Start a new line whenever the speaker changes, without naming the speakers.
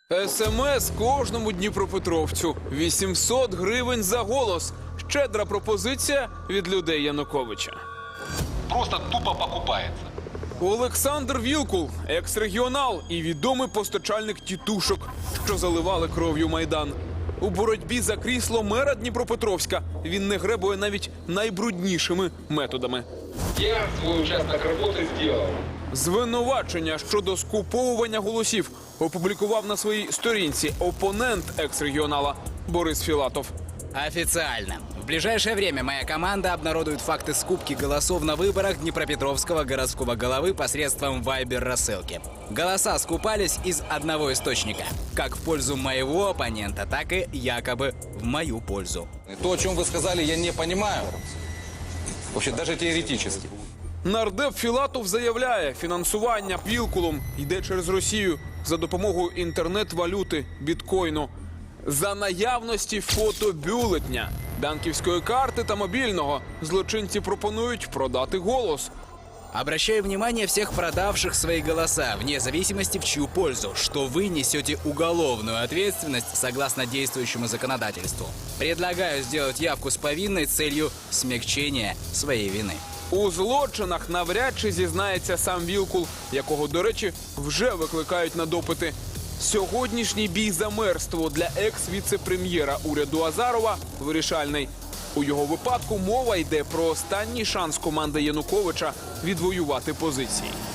СМС кожному дніпропетровцю. 800 гривень за голос. Щедра пропозиція від людей Януковича.
Просто тупо покупается.
Олександр Вілкул – екс-регіонал і відомий постачальник тітушок, що заливали кров'ю Майдан. У боротьбі за крісло мера Дніпропетровська він не гребує навіть найбруднішими методами.
Я свой участок работы сделал.
Звинувачення щодо скуповування голосів опублікував на своїй сторінці опонент екс-регіонала Борис Філатов.
Официально. В ближайшее время моя команда обнародует факты скупки голосов на выборах Днепропетровского городского головы посредством Вайбер-рассылки. Голоса скупались из одного источника. Как в пользу моего оппонента, так и якобы в мою пользу.
То, о чем вы сказали, я не понимаю. Вообще, даже теоретически.
Нардеп Філатов заявляє, фінансування Вілкулом йде через Росію за допомогою інтернет-валюти біткоїну. За наявності фотобюлетня, банківської карти та мобільного злочинці пропонують продати голос.
Обращаю внимание всех продавших свои голоса, вне зависимости в чью пользу, что вы несете уголовную ответственность согласно действующему законодательству. Предлагаю сделать явку с повинной целью смягчения своей вины.
У злочинах навряд чи зізнається сам Вілкул, якого, до речі, вже викликають на допити. Сьогоднішній бій за мерство для екс-віце-прем'єра уряду Азарова вирішальний. У його випадку мова йде про останній шанс команди Януковича відвоювати позиції.